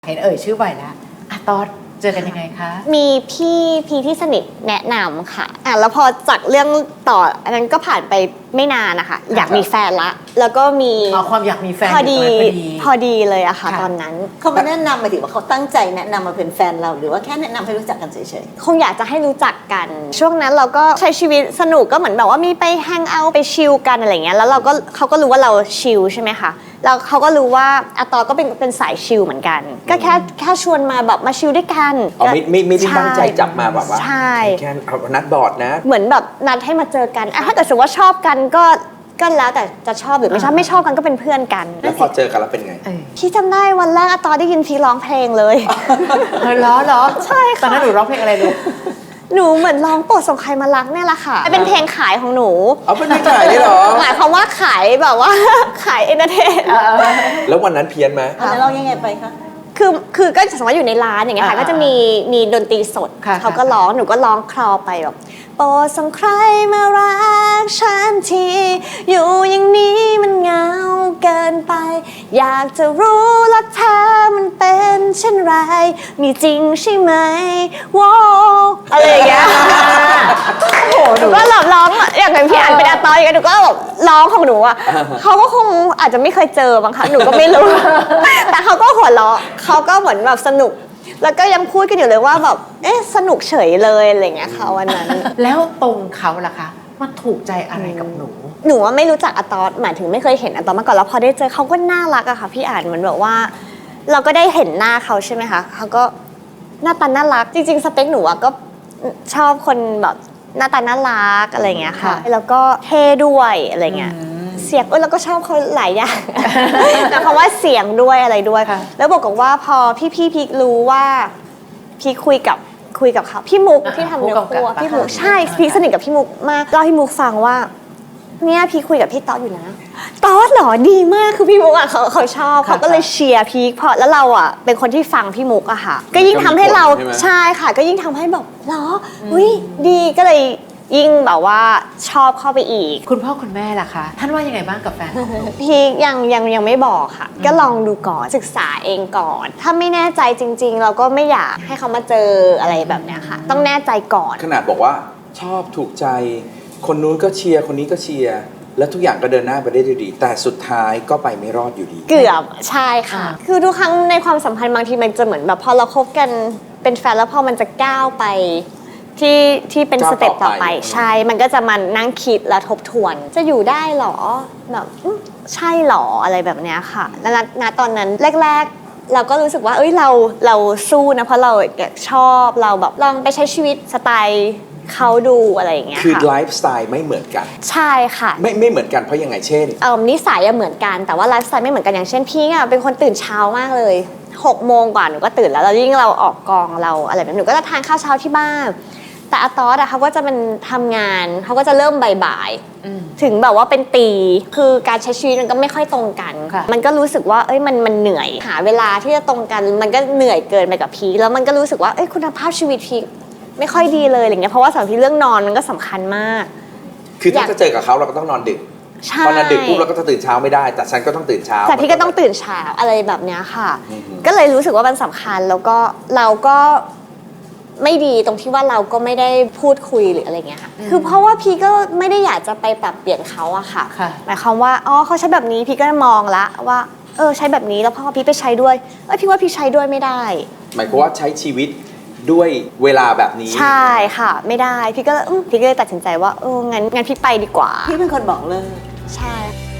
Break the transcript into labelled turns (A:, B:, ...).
A: เห็นชื่อบ่อยแล้วอะตอนเจอกันยังไงคะ
B: มีพี่ที่สนิทแนะนำค่ะแล้วพอจากเรื่องต่ออันนั้นก็ผ่านไปไม่นานนะคะอยากมีแฟนละแล้วก็มี
A: ความอยากมีแฟน
B: พอดีเลยอะค่ะตอนนั้น
C: เขามาแนะนำหมายถึงว่าเขาตั้งใจแนะนำมาเป็นแฟนเราหรือว่าแค่แนะนำให้รู้จักกันเฉย
B: ๆคงอยากจะให้รู้จักกันช่วงนั้นเราก็ใช้ชีวิตสนุกก็เหมือนแบบว่ามีไปแฮงเอาท์ไปชิลกันอะไรเงี้ยแล้วเขาก็รู้ว่าเราชิลใช่ไหมคะแล้วเขาก็รู้ว่าอะตอก็เป็นสายชิลเหมือนกันก็แค่ชวนมาแบบมาชิลด้วยกัน
D: ไม่ได้ตั้งใจจับมาแบบว่า
B: ใช่
D: แค่นัดบอร์ดนะ
B: เหมือนแบบนัดให้มาเจอกันถ้าเกิดสมมติว่าชอบกันก็แล้วแต่จะชอบหรือไม่ชอบกันก็เป็นเพื่อนกัน
D: แล้วพอเจอกันแล้วเป็นไง
B: พี่จำได้วันแรกอะตอนได้ยินพี่ร้องเพลงเลย
A: เหรอ
B: ใช่ค่ะ
A: ตอนนั้นหนูร้องเพลงอะไรลูก
B: หนูเหมือนร้องโปรดส่งใครมารักเนี่ยแหละค่ะเป็นเพลงขายของหนู
D: เอาเป็นเพลงขายเลยเหรอ
B: หมายความว่าขายแบบว่าขายเอนเตอร์เทน
D: แล้ววันนั้นเพี้ยนไหม
C: แล้วเรายังไงไปคะ
B: คือก็สมมติอยู่ในร้านอย่างเงี้ยค่ะก็จะมีดนตรีสดเขาก็ร้องหนูก็ร้องคลอไปแบบโปรดส่งใครมารักฉันทีอยู่อย่างนี้มันเหงาเกินไปอยากจะรู้รักเธอมันเป็นเช่นไรมีจริงใช่ไหมว้าวอะไรอย่างเงี้ยหนูก็ร้องอย่างเป็นพี่อ่านเป็นอาตอยอย่างเงี้ยหนูก็แบบร้องของหนูอ่ะเขาก็คงอาจจะไม่เคยเจอบ้างคะหนูก็ไม่รู้แต่เขาก็หัวเราะเขาก็เหมือนแบบสนุกแล้วก็ยังพูดกันอยู่เลยว่าแบบสนุกเฉยเลยอะไรเงี้ยค่ะวันนั้น
A: แล้วตรงเขาล่ะคะมันถูกใจอะไรกับหนู
B: ว่าไม่รู้จักอะตอสหมายถึงไม่เคยเห็นอะตอสมาก่อนแล้วพอได้เจอเขาก็น่ารักอะค่ะพี่อ่านเหมือนแบบว่าเราก็ได้เห็นหน้าเขาใช่ไหมคะเขาก็หน้าตาน่ารักจริงๆสเปคหนูอะก็ชอบคนแบบหน้าตาน่ารักอะไรเงี้ยค่ะแล้วก็เท่ด้วยอะไรเงี้ยเสียงแล้วก็ชอบเขาหลายอย่างแต่คำว่าเสียงด้วยอะไรด้วยแล้วบอกกับว่าพอพี่รู้ว่าพี่คุยกับเขาพี่มุกที่ทำเนื้อคู่พี่มุกใช่พี่สนิทกับพี่มุกมากเล่าให้มุกฟังว่าเนี่ยพี่คุยกับพี่ต๊อดอยู่นะต๊อดเหรอดีมากคือพี่มุกอ่ะเขาชอบเขาก็เลยเชียร์พี่พอแล้วเราอ่ะเป็นคนที่ฟังพี่มุกอะค่ะก็ยิ่งทำให้เราใช่ค่ะก็ยิ่งทำให้แบบเหรออุ้ยดีก็เลยยิ่งแบบว่าชอบเข้าไปอีก
A: คุณพ่อคุณแม่ล่ะคะท่านว่ายังไงบ้างกับแฟน
B: พี่ยังไม่บอกค่ะก็ลองดูก่อนศึกษาเองก่อนถ้าไม่แน่ใจจริงๆเราก็ไม่อยากให้เขามาเจออะไรแบบนี้ค่ะต้องแน่ใจก่อน
D: ขนาดบอกว่าชอบถูกใจคนนู้นก็เชียร์คนนี้ก็เชียร์แล้วทุกอย่างก็เดินหน้าไปได้ดีแต่สุดท้ายก็ไปไม่รอดอยู่ดี
B: เกือบใช่ค่ะคือทุกครั้งในความสัมพันธ์บางทีมันจะเหมือนแบบพอเราคบกันเป็นแฟนแล้วพอมันจะก้าวไปที่เป็นสเต็ปต่อไปใช่มันก็จะมานั่งคิดและทบทวนจะอยู่ได้หรอแบบใช่หรออะไรแบบเนี้ยค่ะแล้วณตอนนั้นแรกๆเราก็รู้สึกว่าเราสู้นะเพราะเราชอบเราแบบลองไปใช้ชีวิตสไตล์เขาดูอะไรอย่างเงี้ยค่ะ
D: คือไลฟ์สไตล์ไม่เหมือนกัน
B: ใช่ค่ะ
D: ไม่เหมือนกันเพราะยังไงเช่น
B: นิสัยเหมือนกันแต่ว่าไลฟ์สไตล์ไม่เหมือนกันอย่างเช่นพี่เป็นคนตื่นเช้ามากเลย6 โมงกว่าหนูก็ตื่นแล้วยิ่งเราออกกองเราอะไรแบบหนูก็จะทานข้าวเช้าที่บ้านแต่อะตอสเขาก็จะเป็นทำงานเขาก็จะเริ่มบ่ายๆถึงแบบว่าเป็นตีคือการใช้ชีวิตมันก็ไม่ค่อยตรงกันมันก็รู้สึกว่ามันเหนื่อยหาเวลาที่จะตรงกันมันก็เหนื่อยเกินไปกับพีแล้วมันก็รู้สึกว่าคุณภาพชีวิตพีไม่ค่อยดีเลยอะไรเงี้ยเพราะว่าสำหรับที่เรื่องนอนมันก็สำคัญมาก
D: คือถ้าจะเจอกับเขาเราก็ต้องนอนดึกพอนอนดึกปุ๊บเราก็จะตื่นเช้าไม่ได้แต่ฉันก็ต้องตื่นเช้า
B: แต่พี่ก็ต้องตื่นเช้าอะไรแบบเนี้ยค่ะก็เลยรู้สึกว่ามันสำคัญแล้วก็เราก็ไม่ดีตรงที่ว่าเราก็ไม่ได้พูดคุยหรืออะไรเงี้ยค่ะคือเพราะว่าพี่ก็ไม่ได้อยากจะไปปรับเปลี่ยนเขาอะค่ะหมายความว่าเขาใช้แบบนี้พี่ก็มองละว่าใช้แบบนี้แล้วพอพี่ไปใช้ด้วยพี่ว่าพี่ใช้ด้วยไม่ได้
D: หมายความว่าใช้ชีวิตด้วยเวลาแบบนี้
B: ใช่ค่ะไม่ได้พี่ก็เลยตัดสินใจว่างั้นพี่ไปดีกว่า
C: พี่เป็นคนบอกเลย
B: ใช่